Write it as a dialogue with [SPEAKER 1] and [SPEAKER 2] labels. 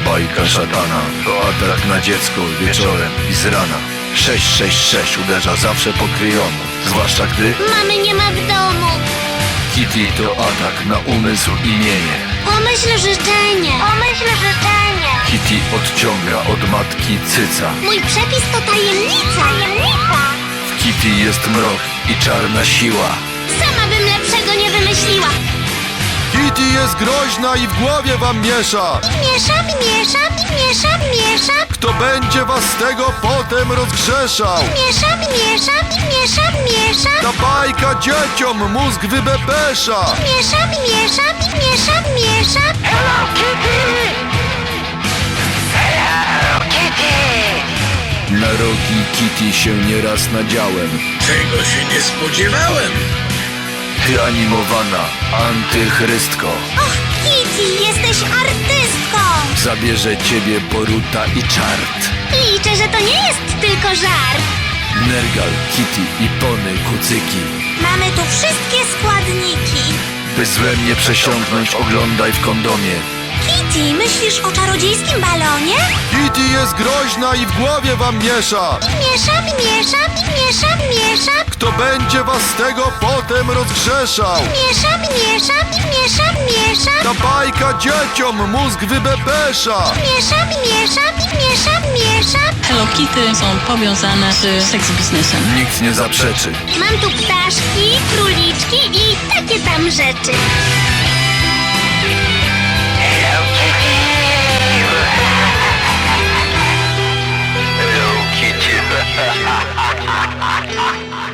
[SPEAKER 1] Bajka szatana to atak na dziecko wieczorem i z rana. 666 uderza zawsze po kryjomu, zwłaszcza gdy
[SPEAKER 2] Mamy nie ma w domu.
[SPEAKER 1] Kitty to atak na umysł i mienie.
[SPEAKER 2] Pomyśl życzenie. Pomyśl życzenie.
[SPEAKER 1] Kitty odciąga od matki cyca.
[SPEAKER 2] Mój przepis to tajemnica. Tajemnica.
[SPEAKER 1] W Kitty jest mrok i czarna siła.
[SPEAKER 2] Sama bym lepszego nie wymyśliła.
[SPEAKER 3] Kitty jest groźna i w głowie wam miesza.
[SPEAKER 2] Miesza, miesza, miesza, miesza.
[SPEAKER 3] Kto będzie was z tego potem rozgrzeszał?
[SPEAKER 2] Miesza, miesza, miesza, miesza.
[SPEAKER 3] Ta bajka dzieciom mózg wybepesza.
[SPEAKER 2] Miesza, miesza, miesza, miesza. Hello Kitty! Hello Kitty!
[SPEAKER 1] Na rogi Kitty się nieraz nadziałem.
[SPEAKER 4] Tego się nie spodziewałem.
[SPEAKER 1] Ty animowana antychrystko.
[SPEAKER 2] Och, Kitty, jesteś artystką.
[SPEAKER 1] Zabierze ciebie Boruta i Czart.
[SPEAKER 2] Liczę, że to nie jest tylko żart.
[SPEAKER 1] Nergal, Kitty i Pony Kucyki.
[SPEAKER 2] Mamy tu wszystkie składniki.
[SPEAKER 1] By złem nie przesiąknąć, oglądaj w kondomie.
[SPEAKER 2] Kitty, myślisz o czarodziejskim balonie?
[SPEAKER 3] Kitty jest groźna i w głowie wam miesza.
[SPEAKER 2] Miesza, miesza, miesza, miesza.
[SPEAKER 3] Kto będzie was z tego potem rozgrzeszał?
[SPEAKER 2] Miesza, miesza, miesza, miesza.
[SPEAKER 3] Ta bajka dzieciom mózg wybepesza.
[SPEAKER 2] Miesza, miesza, miesza, miesza.
[SPEAKER 5] Hello Kitty są powiązane z seks biznesem.
[SPEAKER 1] Nikt nie zaprzeczy.
[SPEAKER 2] Mam tu ptaszki, króliczki i takie tam rzeczy.
[SPEAKER 1] Hello Kitty.